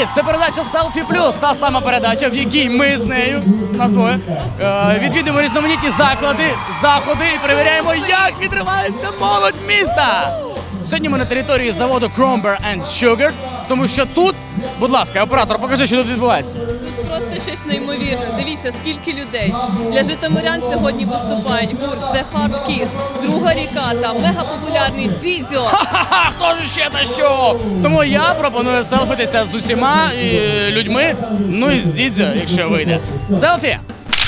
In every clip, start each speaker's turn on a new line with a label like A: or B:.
A: Це передача Селфі Плюс, та сама передача, в якій ми з нею, нас двоє, відвідуємо різноманітні заклади, заходи і перевіряємо, як відривається молодь міста. Сьогодні ми на території заводу Cromber & Sugar, тому що тут, будь ласка, оператор, покажи, що тут відбувається.
B: Тут просто щось неймовірне. Дивіться, скільки людей. Для житомирян сьогодні виступають гурт The Hard Kiss, Друга ріка та мегапопулярний Дзідзьо.
A: Ха-ха, хто ж ще та що? Тому я пропоную селфитися з усіма людьми, ну і з Дзідзьо, якщо вийде. Селфі!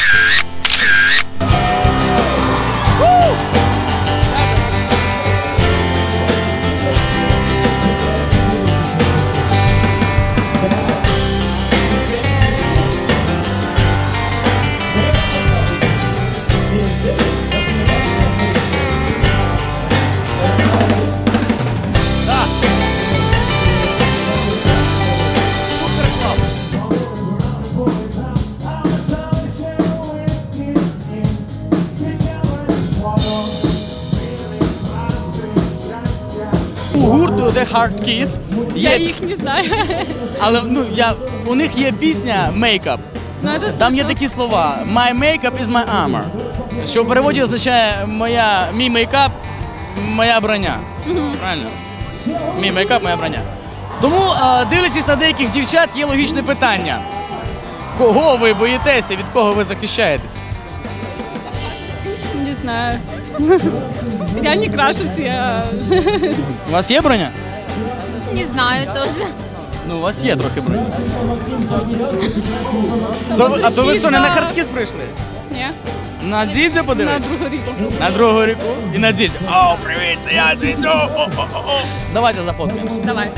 A: У гурту The Hard Kiss
C: Я
A: є,
C: их не знаю.
A: але у них є пісня Makeup.
C: Но это
A: Там є
C: слышала.
A: такі слова My makeup is my armor, що в переводі означає мій мейкап, моя броня. Правильно? Мій мейкап, моя броня. Тому, дивлячись на деяких дівчат, є логічне питання. Кого ви боїтеся, від кого ви захищаєтесь?
C: Не знаю. Я не крашусь, я...
A: У вас є броня?
D: Не знаю тоже.
A: Ну, у вас є трохи броні. А то ви що, не на хардкіс прийшли?
C: Не,
A: На Дзідзьо
C: на
A: подивитися?
C: другу ріку.
A: На другу ріку і на Дзідзьо. О, привіт, це я Дзідзьо! О-о-о-о. Давайте зафоткаємося.
C: Давай.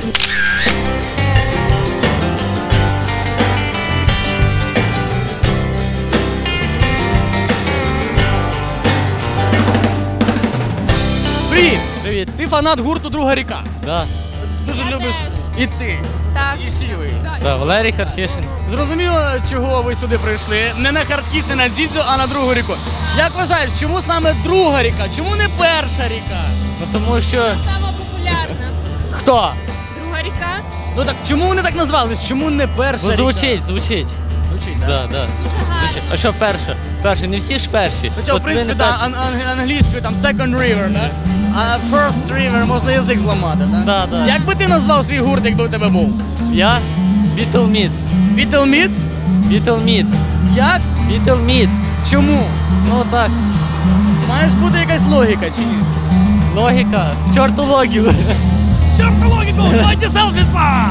A: Привіт!
E: Привіт.
A: Ти фанат гурту Друга ріка.
E: Да.
A: Дуже любиш і ти,
D: Так.
A: і всі ви.
E: Да, Валерій Харчишин.
A: Зрозуміло, чого ви сюди прийшли. Не на хардкіс, не на Дзідзьо, а на другу ріку. Як вважаєш, чому саме друга ріка? Чому не перша ріка?
E: Ну тому що
D: Сама популярна.
A: Хто?
D: Друга ріка.
A: Ну так чому вони так назвались? Чому не перша ріка?
E: звучить.
A: Звучить, так?
E: Да, да. Звучить. А що перша? Перша, не всі ж перші.
A: Хоча, в
E: От
A: принципі,
E: ви не
A: да,
E: перші.
A: англійською там second river, да? А first river можна язик зламати, так?
E: Да, да.
A: Як би ти назвав свій гурт, якби у тебе був?
E: Я? Beatle Meets.
A: Beatle Meat?
E: Beatle Meets.
A: Як?
E: Beatle Meets.
A: Чому?
E: Ну так,
A: Маєш бути якась логіка чи ні?
E: логіка. В чорту логіку.
A: Чорт логіку, давайте селфіца!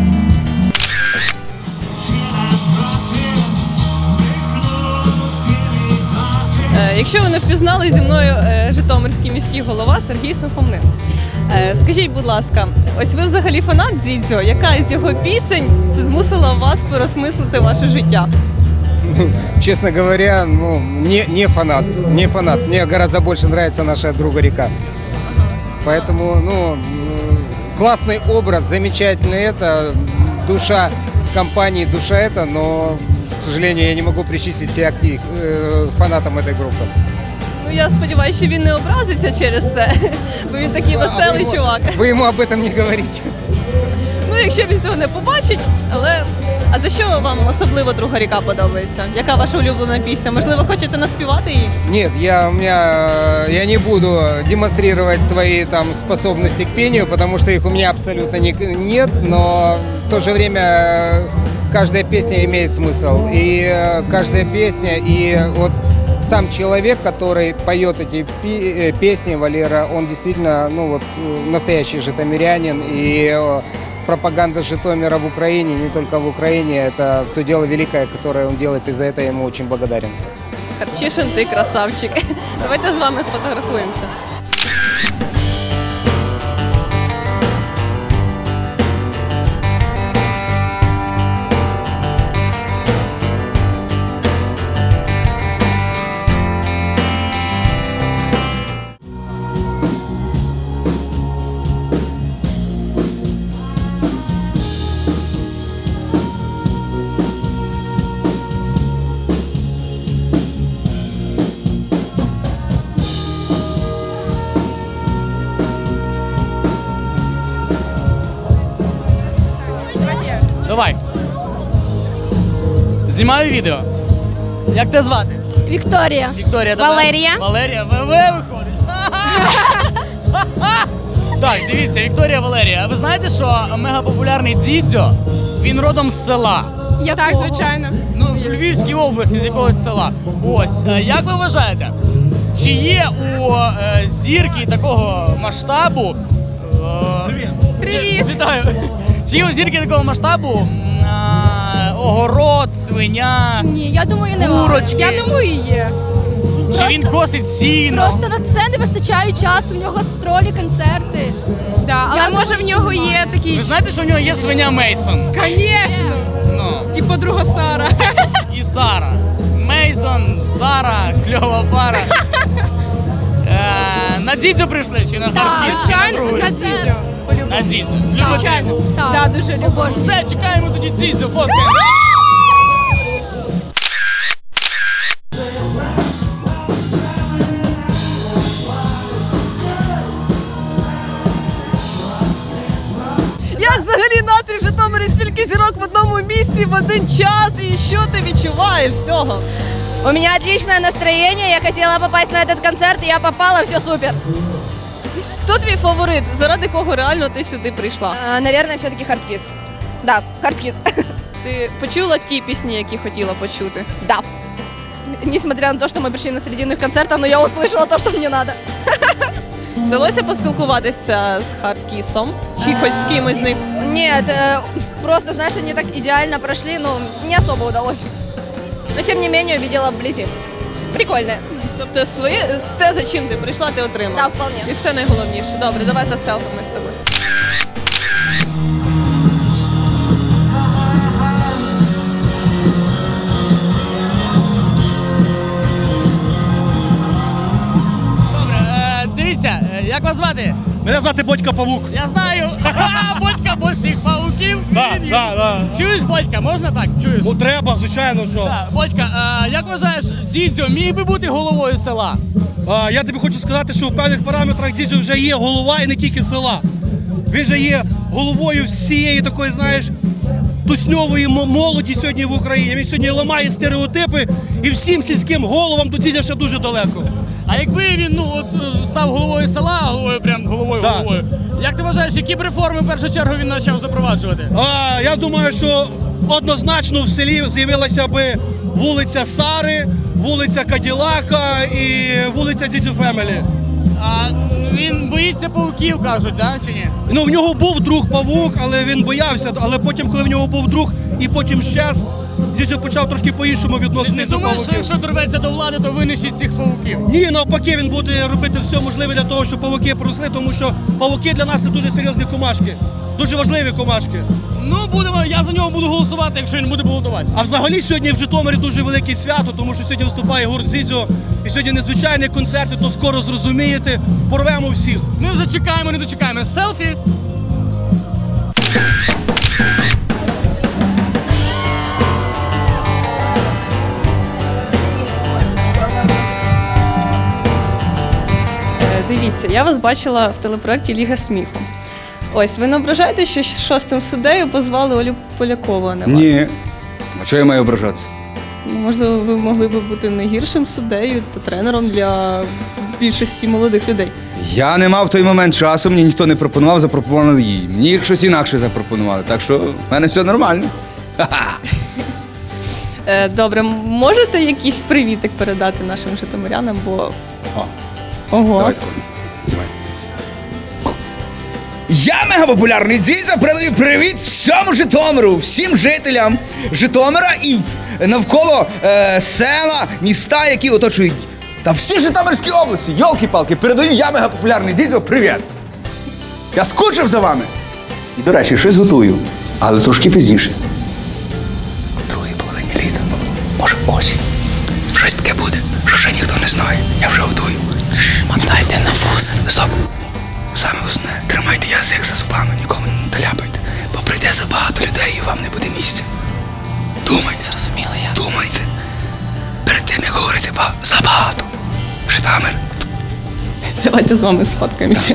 B: Якщо ви не впізнали, зі мною житомирський міський голова Сергій Сухомлин. Скажіть, будь ласка, ось ви взагалі фанат Дзідзьо? Яка із його пісень змусила вас переосмислити ваше життя?
F: Честно говоря, ну, не фанат, не фанат. Мне гораздо больше нравится наша друга река. Поэтому, ну, классный образ, замечательный это, душа компании, душа это, но, к сожалению, я не могу причислить себя к фанатам этой группы.
B: Ну, я сподіваюся, що він не образиться через це, бо він такий веселий чувак.
F: Вы ему об этом не говорите.
B: Ну, якщо він цього не побачить, але... А за що вам особливо Друга ріка подобається? Яка ваша улюблена пісня? Можливо, хочете наспівати її?
F: Нет, я не буду демонстрировать свои там способности к пению, потому что их у меня абсолютно нет, но в то же время каждая песня имеет смысл. И каждая песня, и вот сам человек, который поет эти песни, Валера, он действительно, ну вот, настоящий житомирянин, и пропаганда Житомира в Украине, не только в Украине, это то дело великое, которое он делает, и за это я ему очень благодарен.
B: Харчишин, ти красавчик. Давайте з вами сфотографуємося.
A: Знімаю відео. Як тебе звати?
D: Вікторія.
A: Вікторія, тебе?
D: Валерія.
A: Валерія, ВВ виходить. Так, дивіться, Вікторія, Валерія. А ви знаєте, що мегапопулярний Дзідзьо, він родом з села?
C: Так, звичайно.
A: Ну, в Львівській області, з якогось села. Ось, як ви вважаєте, чи є у зірки такого масштабу...
B: Привіт!
A: Вітаю! Чи є у зірки такого масштабу огород, свиня,
D: Ні, я думаю, не
A: курочки?
C: Я думаю, є.
A: Чи він косить сіно?
D: Просто на це не вистачає часу, в нього гастролі, концерти.
C: Да, але
D: Я
C: може
D: думаю,
C: в нього
D: що
C: є
D: немає.
C: такий.
A: Ви знаєте, що в нього є свиня Мейсон?
C: Звісно.
A: Ну,
C: І подруга Сара.
A: і Сара. Мейсон, Сара, кльова пара. На Дзідзьо прийшли чи на Харків?
C: Звичайно, на Дзідзьо.
A: На Дзідзьо. Любите?
C: Звичайно.
D: Так.
C: Так, дуже люблю.
A: Все, чекаємо тоді Дзідзьо, фоткаємо.
B: Як взагалі настрій в Житомирі, стільки зірок в одному місці в один час? І що ти відчуваєш з цього?
D: У меня отличное настроение, я хотела попасть на этот концерт, и я попала, все супер.
B: Хто твій фаворит? Заради кого реально ти сюди прийшла?
D: Наверное, все-таки Хардкисс. Да, Хардкисс.
B: Ти почула ті пісні, які хотіла почути?
D: Да. Несмотря на то, что мы пришли на середину их концерта, но я услышала то, что мне надо.
B: Вдалося поспілкуватися з Хардкісом? Чи хоч з кимось з них?
D: Нет, просто, знаешь, они так идеально прошли, ну, не особо удалось. Но, тем не менее, увидела вблизи. Прикольно.
B: Тобто те, за чим ти прийшла, ти отримала?
D: Да, вполне.
B: І це найголовніше. Добре, давай за селфами з тобою.
A: Добре, дивіться, як вас звати?
G: Мене звати Бодька Павук.
A: Я знаю. Бодька по всіх павуків. Чуєш, Бодька, можна так? Чуєш?
G: Ну треба, звичайно, що.
A: Так, Бодька, як вважаєш, Дзідзьо міг би бути головою села?
G: Я тобі хочу сказати, що в певних параметрах Дзідзьо вже є голова і не тільки села. Він же є головою всієї такої, знаєш, тусньової молоді сьогодні в Україні. Він сьогодні ламає стереотипи і всім сільським головам до Дзідзя ще дуже далеко.
A: А якби він став головою села, головою,
G: Да.
A: головою, як ти вважаєш, які б реформи в першу чергу він почав запроваджувати?
G: Я думаю, що однозначно в селі з'явилася би вулиця Сари, вулиця Каділака і вулиця Дзідзю Фемелі.
A: А він боїться павуків, кажуть, да? Чи ні?
G: Ну, в нього був друг павук, але він боявся. Але потім, коли в нього був друг і потім щез, Дзідзю почав трошки по-іншому
A: Ти
G: відноситись до
A: думаєш, що
G: павуків.
A: якщо дорветься до влади, то винищить всіх павуків?
G: Ні, навпаки, він буде робити все можливе для того, щоб павуки просли, тому що павуки для нас це дуже серйозні комашки. Дуже важливі комашки.
A: Ну, я за нього буду голосувати, якщо він буде балотуватися.
G: А взагалі сьогодні в Житомирі дуже велике свято, тому що сьогодні виступає гурт Дзідзьо. І сьогодні незвичайні концерти, то скоро зрозумієте. Порвемо всіх.
A: Ми вже чекаємо, не дочекаємо. Селфі.
B: Дивіться, я вас бачила в телепроекті Ліга сміху. Ось, ви не ображаєте, що шостим суддею позвали Олю Полякову, а не вас?
H: Ні. А чого я маю ображатися?
B: Ну, можливо, ви могли б бути не гіршим суддею та тренером для більшості молодих людей.
H: Я не мав в той момент часу, мені ніхто не пропонував, запропонували їй. Мені щось інакше запропонували, так що в мене все нормально. Ха-ха.
B: Добре, можете якийсь привітик передати нашим житомирянам, бо...
H: О,
B: Ого.
H: давайте, Коля, знімай. Я мегапопулярний Дзідзьо передаю привіт всьому Житомиру, всім жителям Житомира і навколо села, міста, які оточують. Та всі Житомирські області, йолки-палки, передаю я мегапопулярний Дзідзьо привіт. Я скучив за вами. І, до речі, щось готую, але трошки пізніше. В другій половині літа, може осінь. Щось таке буде, що ще ніхто не знає. Я вже готую. Мотайте на вуз. Стоп. Саме основне, тримайте язик за зубами, нікому не таляпайте, бо прийде забагато людей і вам не буде місця. Думайте. Зрозуміло я. Думайте. Перед тим, як говорити забагато. Житомир.
B: Давайте з вами сфоткаємося.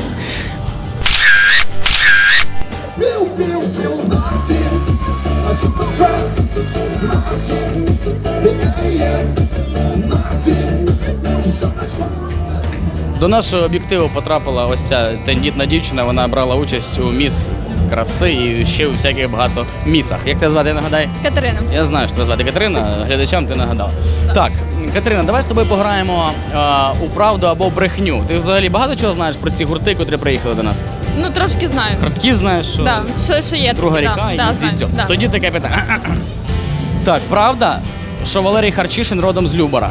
I: Piu, piu, piu, Nazi, a super
A: До нашого об'єктиву потрапила ось ця тендітна дівчина, вона брала участь у міс краси і ще у всяких багато місах. Як тебе звати, нагадай?
C: Катерина.
A: Я знаю, що тебе звати Катерина, глядачам ти нагадала. Так, Катерина, давай з тобою пограємо у правду або брехню. Ти взагалі багато чого знаєш про ці гурти, котрі приїхали до нас?
C: Ну, трошки знаю.
A: Хардкіз знаєш, що
C: Да, що є
A: Друга
C: таке,
A: ріка
C: да,
A: і
C: знаю,
A: Дзідзьо.
C: да.
A: Тоді таке питання. Так, правда, що Валерій Харчишин родом з Любара?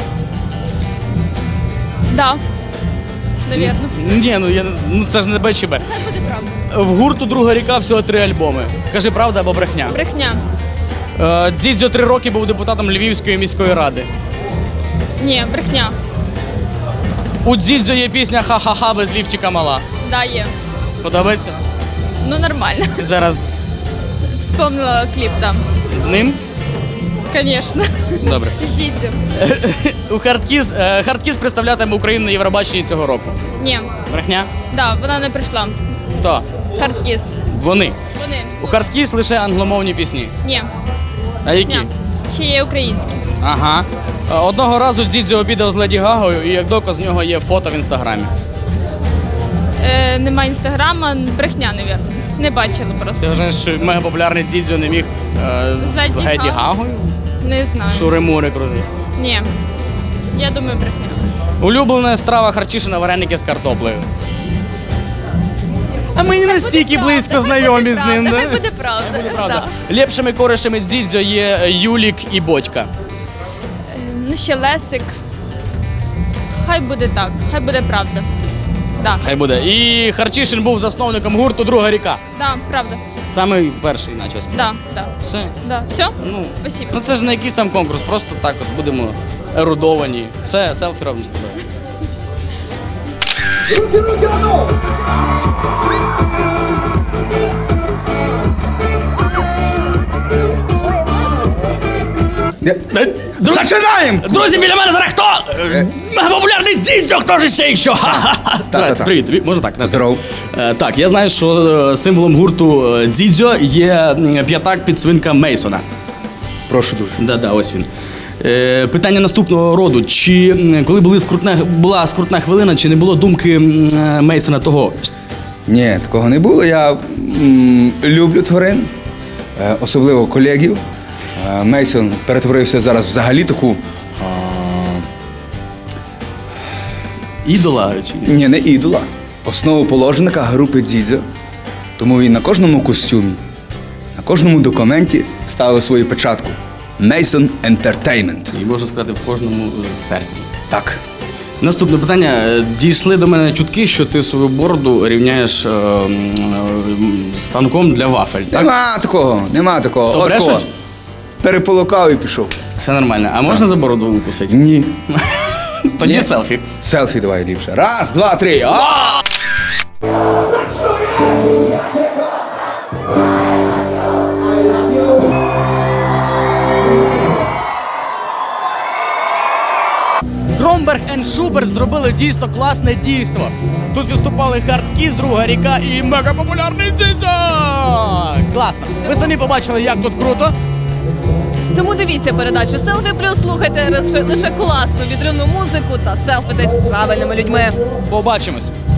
C: Да. Навірно.
A: Ні, ну я не ну це ж не БЧБ.
C: Це буде правда.
A: В гурту Друга ріка всього 3 альбоми. Кажи, правда або брехня?
C: Брехня.
A: Дзідзьо 3 роки був депутатом Львівської міської ради.
C: Ні, брехня.
A: У Дзідзьо є пісня «Ха-ха-ха» без лівчика мала.
C: Да, є.
A: Подобається?
C: Ну, нормально.
A: Ти зараз
C: Вспомнила кліп там.
A: з ним?
C: Звісно.
A: Добре.
C: З Дідзю.
A: У Хардкіз представлятиме Україну на Євробаченні цього року.
C: Ні.
A: Брехня?
C: Да, вона не прийшла.
A: Хто?
C: Хардкіс.
A: Вони.
C: Вони.
A: У Хардкіз лише англомовні пісні.
C: Ні.
A: А які?
C: Ні. Ще є українські.
A: Ага. Одного разу Дзідзьо обідав з Леді Гагою, і як доказ з нього є фото в інстаграмі.
C: Нема інстаграма, брехня, навірно. Не бачила просто.
A: Ти вважаєш, що мегапопулярний Дзідзьо не міг з
C: Леді
A: Леді
C: Гагою?
A: Гагою?
C: Не знаю.
A: Шури-мури крути.
C: Ні. Я думаю, брехня.
A: Улюблена страва Харчишина вареники з картоплею. А ми не настільки близько знайомі з ним,
C: Хай
A: да?
C: буде правда.
A: Правда.
C: Да.
A: Лепшими коришами Дзідзьо є Юлік і Бодька.
C: Ну, ще Лесик. Хай буде так, хай буде правда. Да.
A: Хай буде. І Харчишин був засновником гурту Друга ріка.
C: Да, правда.
A: Самий перший почав співати.
C: Да, да.
A: Все.
C: Да. Все?
A: Ну,
C: Спасибо.
A: Ну це ж не якийсь там конкурс, просто так от будемо ерудовані. Все, селфі робимо з тобою.
H: Зачинаємо!
A: Друзі, біля мене зараз хто? Мегапопулярний Дзідзьо, хто ж ще що?
H: Та-та-та.
A: Привіт, можна так?
H: Здоров.
A: Так, я знаю, що символом гурту Дзідзьо є п'ятак підсвинка Мейсона.
H: Прошу дуже.
A: Да, ось він. Питання наступного роду. Чи коли була скрутна хвилина, чи не було думки Мейсона того?
H: Ні, такого не було. Я люблю тварин, особливо колегів. Мейсон перетворився зараз взагалі таку.
A: Ідола? Чи?
H: Ні, не ідола. Основоположника групи Дзідзьо. Тому він на кожному костюмі, на кожному документі ставив свою печатку. Mейсон Entertainment.
A: І можна сказати, в кожному серці.
H: Так.
A: Наступне питання. Дійшли до мене чутки, що ти свою бороду рівняєш станком для вафель, так?
H: Нема такого.
A: То
H: От
A: брешуть?
H: кого. Переполукав і пішов.
A: Все нормально. А можна за бороду укусити?
H: Ні.
A: Тоді
H: Ні.
A: селфі.
H: Селфі давай ліпше. Раз, два, три.
A: Кромберг енд Шуберт зробили дійсно класне дійство. Тут виступали Хардкіз, Друга ріка і мегапопулярний Дзідзьо! Класно. Ви самі побачили, як тут круто.
B: Тому дивіться передачу «Селфі плюс», слухайте лише класну відривну музику та селфитесь з правильними людьми.
A: Побачимось.